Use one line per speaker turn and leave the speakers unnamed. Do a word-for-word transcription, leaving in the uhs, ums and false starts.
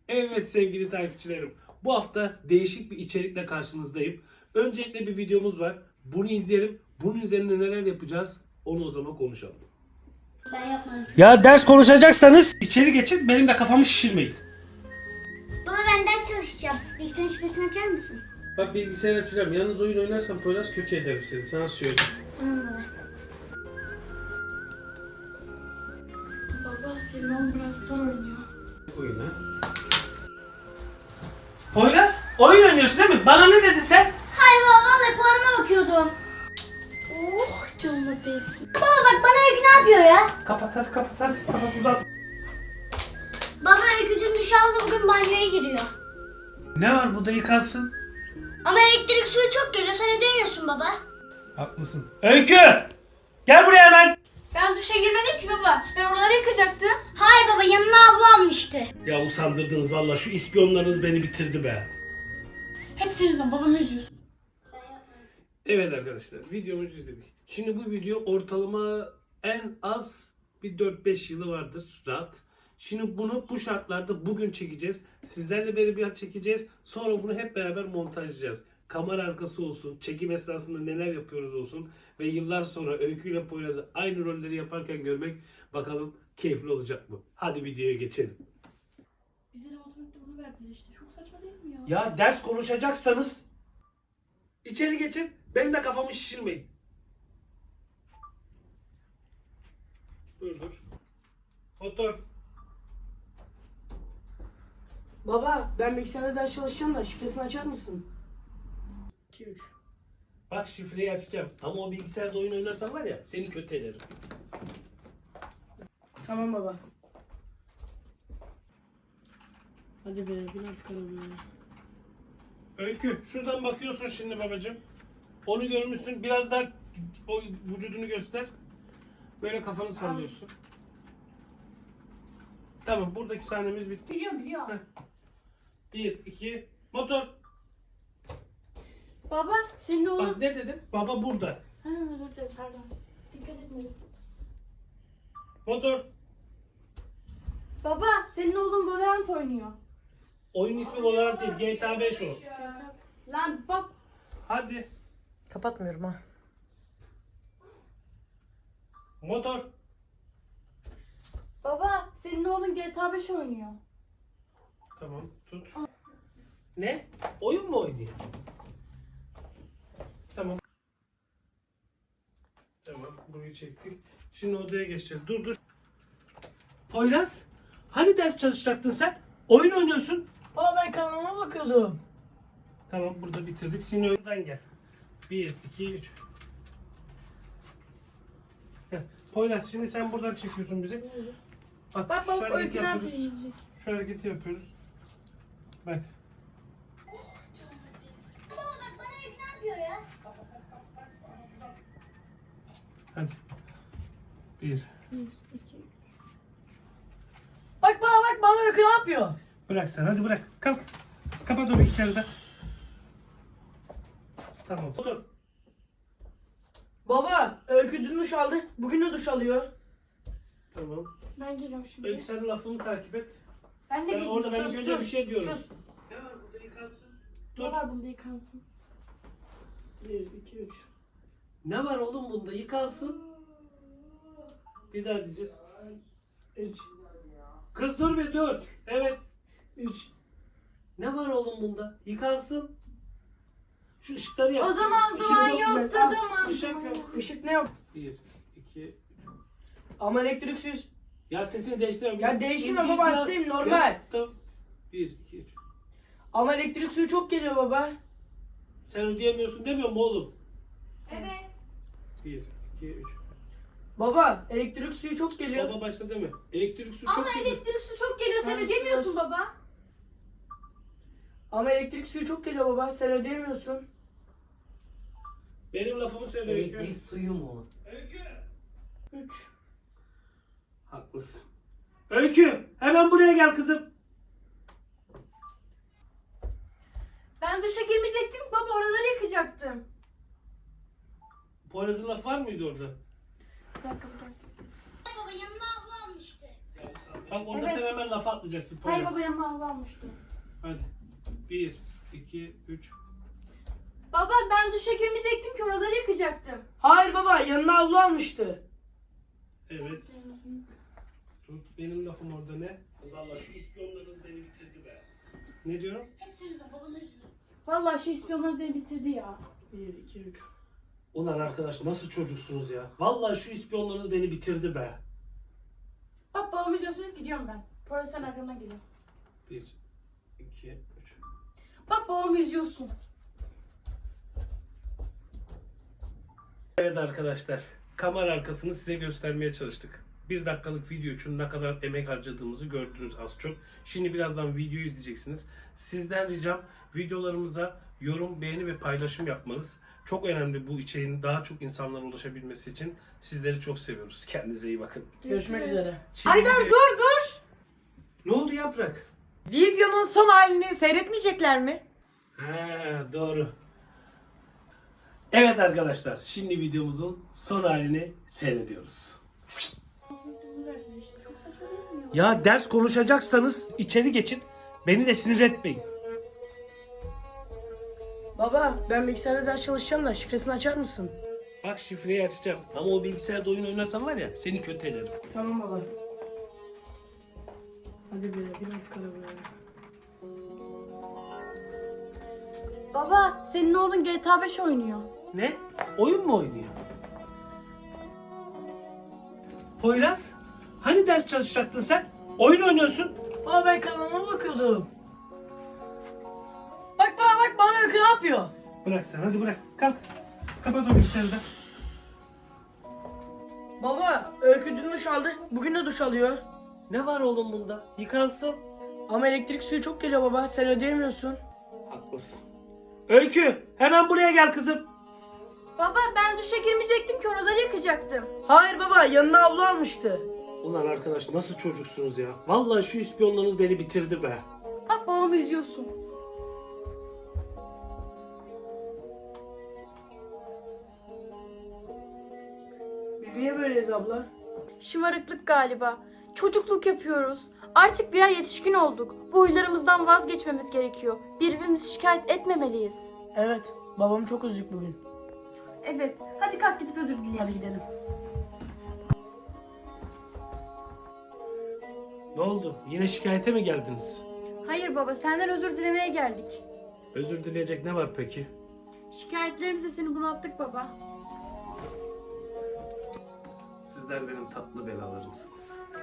Evet sevgili takipçilerim. Bu hafta değişik bir içerikle karşınızdayım. Öncelikle bir videomuz var. Bunu izleyelim. Bunun üzerine neler yapacağız? Onu o zaman konuşalım.
Ben yapmadım.
Ya ders konuşacaksanız içeri geçin. Benim de kafamı şişirmeyin.
Baba ben ders çalışacağım. Bilgisayarın şifresini açar mısın?
Bak bilgisayar açacağım. Yalnız oyun oynarsan Poyraz kötü ederim seni. Sana söyleyeyim.
Tamam baba.
Baba senin oğlum biraz zor oynuyor.
Oyun ha. Poyraz oyun oynuyorsun değil mi? Bana ne dedin sen?
Hayır baba vallahi puanıma bakıyordum.
Oh canıma değsin.
Baba bak bana Öykü ne yapıyor ya?
Kapat hadi kapat hadi. Kapat uzat.
Baba Öykü dün duş aldı bugün banyoya giriyor.
Ne var burada yıkansın?
Ama elektrik suyu çok geliyor sen ödemiyorsun baba.
Haklısın. Öykü! Gel buraya hemen.
Ben duşa girmedim ki baba. Ben oraları yıkacaktım.
Hayır baba yanına havlu almıştı.
Ya usandırdınız valla. Şu ispiyonlarınız beni bitirdi be.
Hep senin yüzünden babamı üzüyorsun.
Evet arkadaşlar videomuzu izledik. Şimdi bu video ortalama en az bir dört beş yılı vardır rahat. Şimdi bunu bu şartlarda bugün çekeceğiz. Sizlerle beraber çekeceğiz. Sonra bunu hep beraber montajlayacağız. Kamera arkası olsun, çekim esnasında neler yapıyoruz olsun ve yıllar sonra Öykü ile Poyraz'ı aynı rolleri yaparken görmek bakalım keyifli olacak mı? Hadi videoya geçelim.
Bize de matematikte bunu verdiler işte. Çok saçma değil mi ya?
Ya ders konuşacaksanız içeri geçin. Benim de kafamı şişirmeyin. Dur dur. Otur.
Baba ben bilgisayarda ders çalışacağım da şifresini açar mısın? iki üç.
Bak şifreyi açacağım. Ama o bilgisayarda oyun oynarsan var ya seni kötü ederim.
Tamam baba. Hadi be bin artık arabaya.
Öykü şuradan bakıyorsun şimdi babacığım. Onu görmüşsün. Biraz daha o vücudunu göster. Böyle kafanı sallıyorsun. Tamam buradaki sahnemiz bitti.
Biliyorum biliyorum.
Heh. Bir, iki, motor.
Baba senin oğlun...
Bak ne dedim? Baba burada.
Ha özür dilerim pardon. Dikkat etmedim.
Motor.
Baba senin oğlun Valorant oynuyor.
Oyun ismi olarak değil. G T A beş o.
Lan bak.
Hadi.
Kapatmıyorum ha.
Motor.
Baba senin oğlun G T A beş oynuyor.
Tamam tut. Ne? Oyun mu oynuyor? Tamam. Tamam burayı çektik. Şimdi odaya geçeceğiz. Dur dur. Poyraz. Hani ders çalışacaktın sen? Oyun oynuyorsun.
Baba ben kanalıma bakıyordum.
Tamam burada bitirdik. Şimdi oradan gel. Bir, iki, üç. Heh. Poyraz şimdi sen buradan çekiyorsun bizi. Bak,
Bak
şu
bak
hareketi
Öykü ne
yapıyoruz.
yapıyor yiyecek.
Şu hareketi yapıyoruz. Bak.
Baba bak bana Öykü ne yapıyor ya?
Hadi. Bir.
Bak bana bak bana Öykü ne yapıyor?
Bırak sen hadi bırak. Kalk. Kapat o bilgisayarı da. Tamam. Otur.
Baba Öykü dün duş aldı. Bugün de duş alıyor.
Tamam.
Ben geliyorum şimdi.
Öykü sen lafımı takip et.
Ben de
Ben
geliyorum.
orada ben
Sus,
önce
sus,
bir şey diyorum.
sus.
Ne var burada yıkansın?
Ne var bunda yıkansın?
bir iki üç.
Ne var oğlum bunda yıkansın? Bir daha diyeceğiz.
üç.
Kız dur bir dur. Evet.
üç.
Ne var oğlum bunda? Yıkansın. Şu ışıkları yap.
O zaman
Işık
duman
yok.
yoktu
Al,
duman.
Işık
duman.
yok.
Işık ne yok?
Bir, iki.
Ama elektriksiz.
Ya sesini değiştirme.
Ya değiştirme
İnce
baba,
biraz-
hastayım, normal.
Ya, tamam. Bir, iki, üç.
Ama elektrik suyu çok geliyor baba.
Sen ödeyemiyorsun demiyor mu oğlum?
Evet.
Bir, iki, üç.
Baba elektrik suyu çok geliyor.
Baba başta deme. Elektrik su
Ama
çok geliyor.
elektrik su çok geliyor sen
Ben
ödemiyorsun
sus.
baba.
Ama elektrik suyu çok geliyor baba. Sen ödeyemiyorsun.
Benim lafımı söyle Öykü.
Elektrik suyu mu?
Öykü.
üç.
Haklısın. Öykü hemen buraya gel kızım.
Ben duşa girmeyecektim baba oraları yıkacaktım.
Poyraz'ın lafı var mıydı orada?
Bir dakika bir dakika.
Baba yanına havlu almıştı.
Ya sen Bak orada
Evet.
sen hemen lafa atlayacaksın.
Hayır
Poyraz.
baba yanına hava almıştı.
Hadi. Bir, iki, üç.
Baba ben duşa girmeyecektim ki oraları yıkacaktım.
Hayır baba, yanına havlu almıştı.
Evet. Dur, benim lafım orada ne? Valla şu ispiyonlarınız beni bitirdi be. Ne diyorum?
Vallahi şu ispiyonlar beni bitirdi ya.
Bir, iki, üç.
Ulan arkadaş nasıl çocuksunuz ya? Vallahi şu ispiyonlarınız beni bitirdi be.
Bak babamı izliyorsun gidiyorum ben. Poyraz sen arkamdan geliyor.
Bir, iki, üç.
Bak babamı izliyorsun.
Evet arkadaşlar, kamera arkasını size göstermeye çalıştık. Bir dakikalık video için ne kadar emek harcadığımızı gördünüz az çok. Şimdi birazdan videoyu izleyeceksiniz. Sizden ricam videolarımıza yorum, beğeni ve paylaşım yapmanız. Çok önemli bu içeriğin daha çok insanlara ulaşabilmesi için. Sizleri çok seviyoruz. Kendinize iyi bakın.
Görüşmek üzere.
Şimdi
Aydar
video-
dur dur.
Ne oldu Yaprak?
Videonun son halini seyretmeyecekler mi?
Ha, doğru. Evet arkadaşlar, şimdi videomuzun son halini seyrediyoruz. Ya ders konuşacaksanız içeri geçin. Beni de sinir etmeyin.
Baba, ben bilgisayarda ders çalışacağım da şifresini açar mısın?
Bak şifreyi açacağım. Ama o bilgisayarda oyun oynarsan var ya seni kötü ederim.
Tamam baba. Hadi be, biraz kara be.
Baba senin oğlun G T A beş oynuyor.
Ne? Oyun mu oynuyor? Poyraz, hani ders çalışacaktın sen? Oyun oynuyorsun.
Baba ben kanalıma bakıyordum. Bak bana bak, bana öykü ne yapıyor?
Bırak sen, hadi bırak. Kalk. Kapat o bilgisayarı da.
Baba, öykü dün duş aldı. Bugün de duş alıyor.
Ne var oğlum bunda? Yıkansın.
Ama elektrik suyu çok geliyor baba. Sen ödeyemiyorsun.
Haklısın. Öykü, hemen buraya gel kızım.
Baba ben duşa girmeyecektim ki oraları yıkacaktım.
Hayır baba, yanına havlu almıştı.
Ulan arkadaş nasıl çocuksunuz ya? Vallahi şu ispiyonlarınız beni bitirdi be.
Bak babamı izliyorsun.
Biz niye böyleyiz abla?
Şımarıklık galiba. Çocukluk yapıyoruz. Artık birer yetişkin olduk. Bu huylarımızdan vazgeçmemiz gerekiyor. Birbirimizi şikayet etmemeliyiz.
Evet, babam çok üzük bugün.
Evet. Hadi kalk gidip özür dileyelim.
Hadi gidelim.
Ne oldu? Yine şikayete mi geldiniz?
Hayır baba senden özür dilemeye geldik.
Özür dileyecek ne var peki?
Şikayetlerimizle seni bunalttık baba.
Sizler benim tatlı belalarımsınız.